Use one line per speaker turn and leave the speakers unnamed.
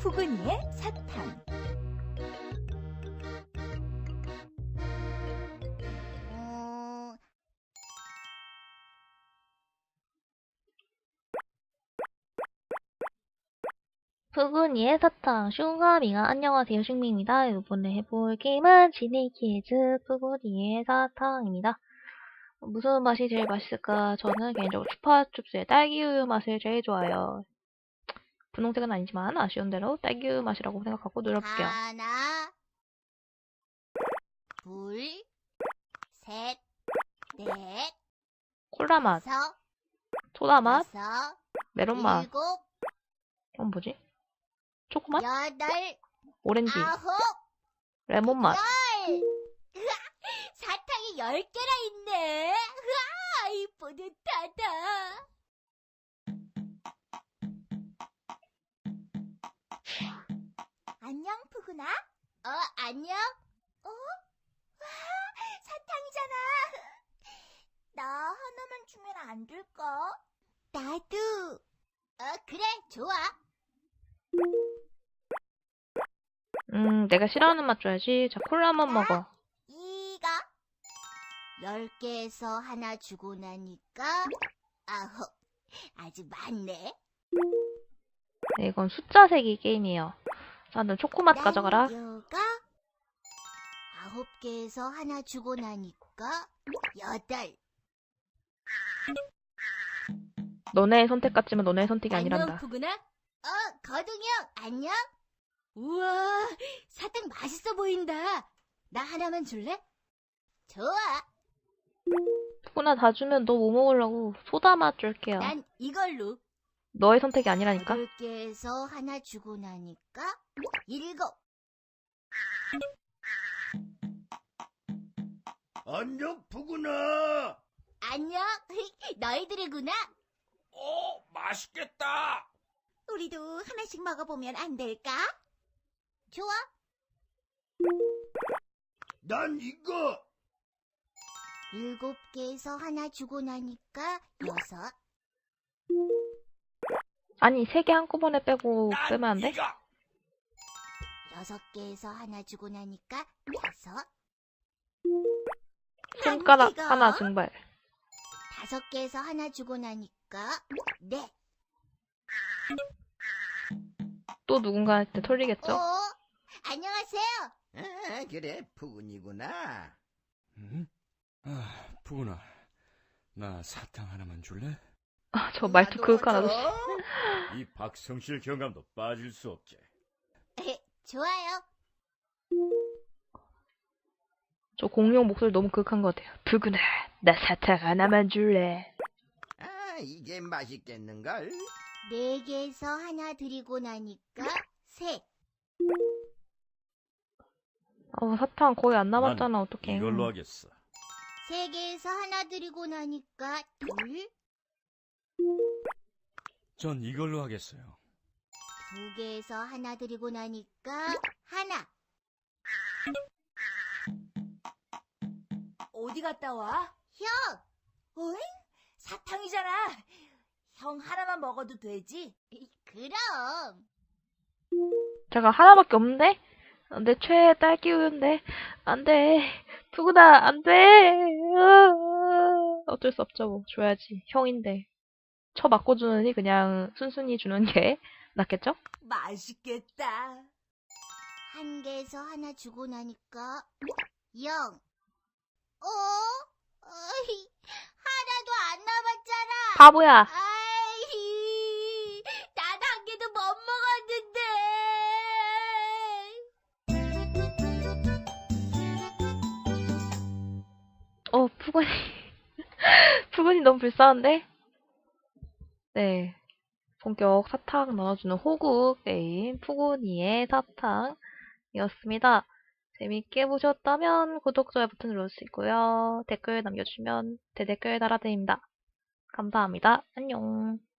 푸근이의 사탕.
푸근이의 사탕, 슝가미가 안녕하세요, 슝미입니다. 이번에 해볼 게임은 지니키즈 푸근이의 사탕입니다. 무슨 맛이 제일 맛있을까? 저는 개인적으로 추파춥스의 딸기우유 맛을 제일 좋아해요. 분홍색은 아니지만 아쉬운 대로 딸기우유 맛이라고 생각하고 눌러볼게요.
하나, 둘, 셋, 넷,
콜라 맛,
다섯,
소다 맛,
여섯,
메론 맛,
일곱,
뭐지? 초코 맛?
여덟,
오렌지,
아홉,
레몬 맛.
열! 으아, 사탕이 10개나 있네. 으아, 이 뿌듯하다. 안녕, 푸근아. 안녕. 와, 사탕이잖아. 나 하나만 주면 안 될까? 나도. 그래, 좋아.
내가 싫어하는 맛 줘야지. 자, 콜라만 먹어.
이거 10개에서 하나 주고 나니까 9. 아주 많네.
네, 이건 숫자 세기 게임이에요. 자, 너 초코맛 가져가라.
요거 9개에서 하나 주고 나니까 8.
너네의 선택 같지만 너네의 선택이
안녕,
아니란다.
푸근아. 거둥이 형, 안녕. 우와, 사탕 맛있어 보인다. 나 하나만 줄래? 좋아.
푸구나 다 주면 너 뭐 먹으려고? 소다 맛 줄게요.
난 이걸로.
너의 선택이 아니라니까.
8개에서 하나 주고 나니까 7.
안녕, 푸구나.
안녕. 너희들이구나.
맛있겠다.
우리도 하나씩 먹어보면 안 될까? 좋아.
난 이거.
7개에서 하나 주고 나니까 6.
아니, 3개 한꺼번에 빼고
난
빼면 안 돼?
이거.
6개에서 하나 주고 나니까 5.
손가락 하나 증발.
5개에서 하나 주고 나니까 4.
또 누군가한테 털리겠죠?
안녕하세요.
그래, 푸근이구나.
응? 푸근아, 나 사탕 하나만 줄래?
아, 저 말투 그윽한 아저씨.
이 박성실 경감도 빠질 수 없지.
좋아요.
저 공룡 목소리 너무 그윽한 것 같아요. 푸구나, 나 사탕 하나만 줄래?
이게 맛있겠는걸?
4개에서 하나 드리고 나니까 3.
사탕 거의 안
난
남았잖아. 어떡해.
이걸로 하겠어.
3개에서 하나 드리고 나니까 2.
전 이걸로 하겠어요.
2개에서 하나 드리고 나니까 1. 어디 갔다 와? 형! 어이? 사탕이잖아. 형 하나만 먹어도 되지? 그럼.
제가 하나밖에 없는데? 내 최애 딸기 우유인데. 안 돼. 푸구나, 안 돼. 어쩔 수 없죠, 뭐. 줘야지. 형인데. 쳐 맞고 주느니 그냥 순순히 주는 게 낫겠죠?
맛있겠다. 1개에서 하나 주고 나니까 0. 어이, 하나도 안 남았잖아.
바보야.
아이, 난 1개도 못 먹었는데.
푸근이. 푸근이 너무 불쌍한데? 네. 본격 사탕 나눠주는 호구 게임 푸근이의 사탕이었습니다. 재밌게 보셨다면 구독, 좋아요 버튼 눌러주시고요. 댓글 남겨주시면 대댓글 달아드립니다. 감사합니다. 안녕.